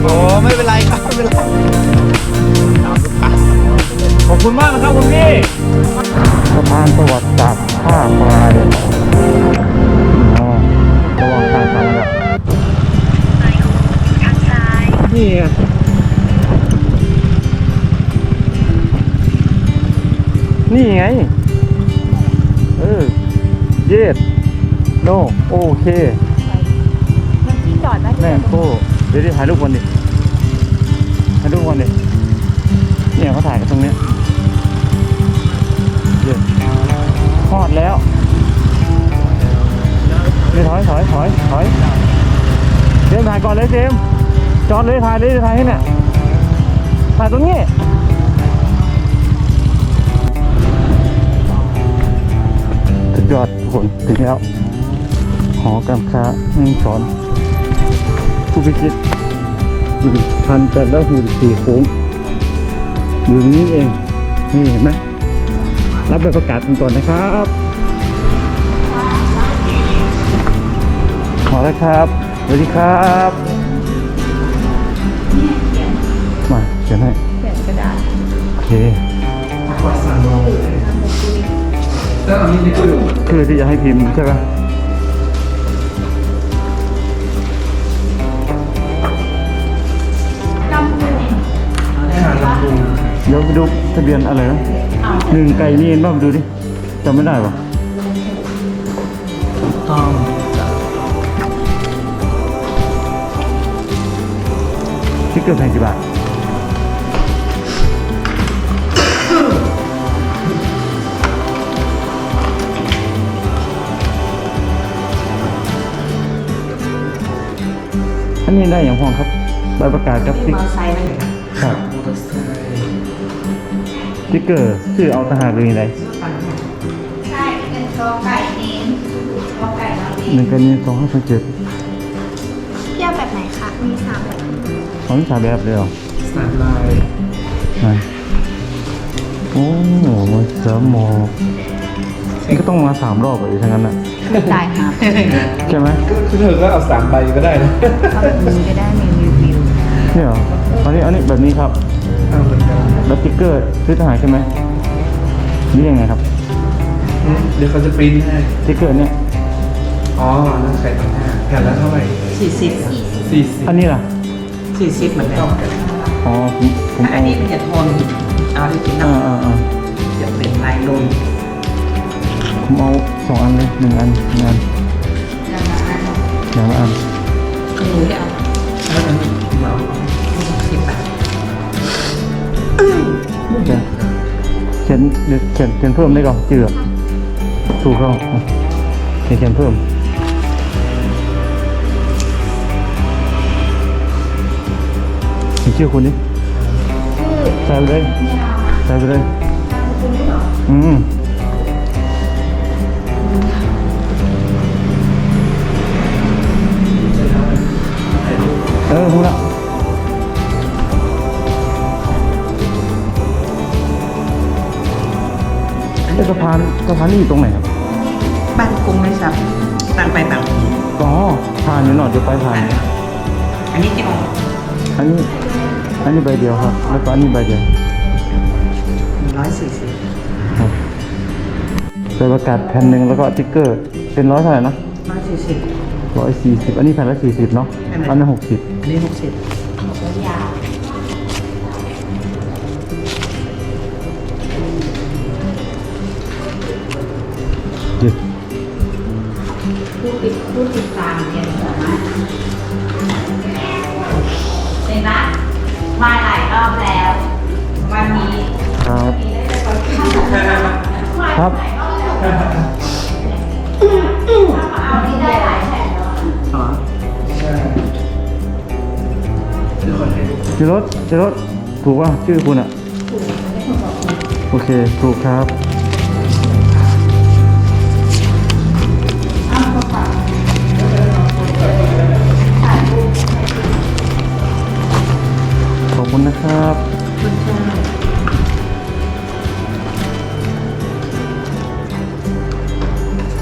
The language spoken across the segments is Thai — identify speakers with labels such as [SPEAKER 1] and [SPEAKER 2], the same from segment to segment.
[SPEAKER 1] โอ้ไม่เป็นไรครับไม่เป็นไร
[SPEAKER 2] ขอบคุณมากนะครับคุณพี่สะพานประวัติศาสตร์ท่าปลายอ๋อระวังทางสามระดับนี่ไงนี่ไงเย็ดโนโอเค
[SPEAKER 3] มันที่จอดได้
[SPEAKER 2] แม่งโคเดี๋ยวถ่ายรูปก่อนดิถ่ายรูปก่อนดิเนี่ยเขาถ่ายกันตรงเนี้ยเย็ดทอดแล้วนี่ถอยเจมส์ถ่ายก่อนเลยเจมส์จอดเลยถ่ายให้เนี่ยถ่ายตรงนี้สุดยอดทุกคนถึงแล้วหอการค้าแม่งสอนผู้พิชิตพันจัดแล้วคือสี่โค้งอยู่นี้เองนี่เห็นไหมรับใบประกาศกันก่อนนะครับขอแล้วครับสวัสดีครับมาเขียนให้
[SPEAKER 3] เขียนกระดาษ
[SPEAKER 2] โอเคคือที่จะให้พิมพ์ใช่ไหมเดี๋ยวไปดูทะเบียนอะไรนะหนึ่งไก่นี่เห็นบ้างดูดิจำไม่ได้ปะต้องที่เกิดแพงกี่บาทอันนี้ได้อย่างห้องครับใบประกาศครับติ๊กครับติ๊กเกอร์ชื่อเอาทหารหรืออะไร
[SPEAKER 3] ใช่เป็นกอไก่เน้นกอไก่เราเน้น
[SPEAKER 2] หนึ่งกันนี้2527
[SPEAKER 3] เที่ยวแบบไหนคะมี3แบบ
[SPEAKER 2] ของที่สามแบบเลยเหรอ
[SPEAKER 1] สามลาย
[SPEAKER 2] โอ้โหมาเสริมหมอกนี่ก็ต้องมา3 รอบเลยทั้งนั้นน่ะ
[SPEAKER 3] ไม่จ่ายครับ
[SPEAKER 2] ใช่ไหม
[SPEAKER 1] คือเธอก็เอา3 ใบก็ได้นะ
[SPEAKER 3] เอาแบบนี้ก็ได้มีรีวิว
[SPEAKER 2] เนี่ยเหรออันนี้แบบนี้ครับ
[SPEAKER 1] เอาเหมือนกัน
[SPEAKER 2] แล้วติ๊กเกอร์ซื้อทหารใช่ไหมนี่ยังไงครับ
[SPEAKER 1] เดี๋ยวเขาจะปริ้นให้
[SPEAKER 2] ติ๊กเกอร์เนี่ย
[SPEAKER 1] อ๋อนั่นใส่ต่างหากแผ่นละเท่าไหร่
[SPEAKER 4] 40
[SPEAKER 2] อันนี้ล่ะ
[SPEAKER 4] 40เหมือนกัน
[SPEAKER 2] อ๋อผม
[SPEAKER 4] ถ้าอันนี้มันจะทนเอาที่กินน้ำจะเป็นลายลม
[SPEAKER 2] ผมเอา2 อันเลย1 อันอย่างละอัน
[SPEAKER 4] คือหนูจะเอา
[SPEAKER 1] อันนี้เหมา
[SPEAKER 4] 10 บาท
[SPEAKER 2] เขียนเพิ่มได้ก่อนจืดถูกต้องเขียนเพิ่มมีชื่อคุณนี่ใส่ไปเลยรู้ละสะพานนี่อยู่ตรงไหนครับ
[SPEAKER 4] บ้านกรุงเลยครับต่างไปต่าง
[SPEAKER 2] อ๋อผ่านอยู่หน่อยเดี๋ยวไปผ่าน
[SPEAKER 4] อันนี้จะออก
[SPEAKER 2] อันนี้ใบเดียวครับแล้วก็อันนี้ใบเดียว
[SPEAKER 4] 140
[SPEAKER 2] ครับใบประกาศแผ่นหนึ่งแล้วก็ติ๊กเกอร์เป็น100เท่าไหร่นะ
[SPEAKER 4] 140
[SPEAKER 2] 140อันนี้แผ่นละ40เนาะอันนั้น60
[SPEAKER 4] อันนี้60
[SPEAKER 3] ยาว ผู้ติดตามเนี่ยสามารถเป็นนะมาหลายรอบแล้ว วันนี้
[SPEAKER 2] ครับครับ
[SPEAKER 3] เอาที่ได้หลายแผ่นแล้ว
[SPEAKER 1] อ๋อใช่เดี๋ยวขอให้ดู
[SPEAKER 2] เจรถถูกป่ะชื่อคุณอ่ะโอเคถูกครับขอบคุณนะครับ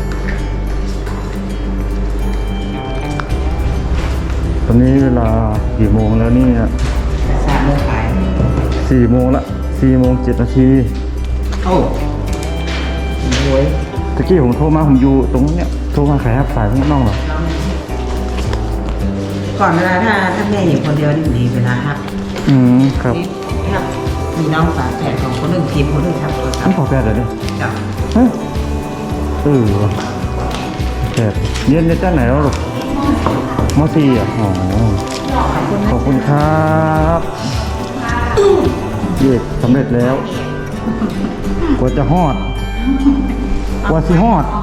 [SPEAKER 2] ตอนนี้เวลากี่โมงแล้วเนี่ย
[SPEAKER 4] 3 โมงขาย
[SPEAKER 2] 4 โมงละ4:07 นาที
[SPEAKER 4] โอ้โว้ย
[SPEAKER 2] ตะกี้ผมโทรมาผมอยู่ตรงเนี้ยโทรมาขายครับสายข้างนอกเหรอ
[SPEAKER 4] ก่อนเวลาถ้าแม่อยู่คนเดียวนี่ดีเวลาครับ
[SPEAKER 2] ครับ
[SPEAKER 4] นี่ครับมีน้องฝาแฝดของคนหนึ่งทีมคนหนึ่งทำโทรศัพ
[SPEAKER 2] นี่
[SPEAKER 4] ท์
[SPEAKER 2] ขอแปดเลยเนี่ย
[SPEAKER 4] จ้ะ
[SPEAKER 2] เฮ้ยว่ะแปดเรียนในด้านไหนแล้วหรอมสี่อ่ะอ๋อ
[SPEAKER 4] ขอบคุณ
[SPEAKER 2] ข
[SPEAKER 4] นะ
[SPEAKER 2] อบคุณครับเย็ดสำเร็จแล้วกว่าจะฮอดกว่าสิฮอด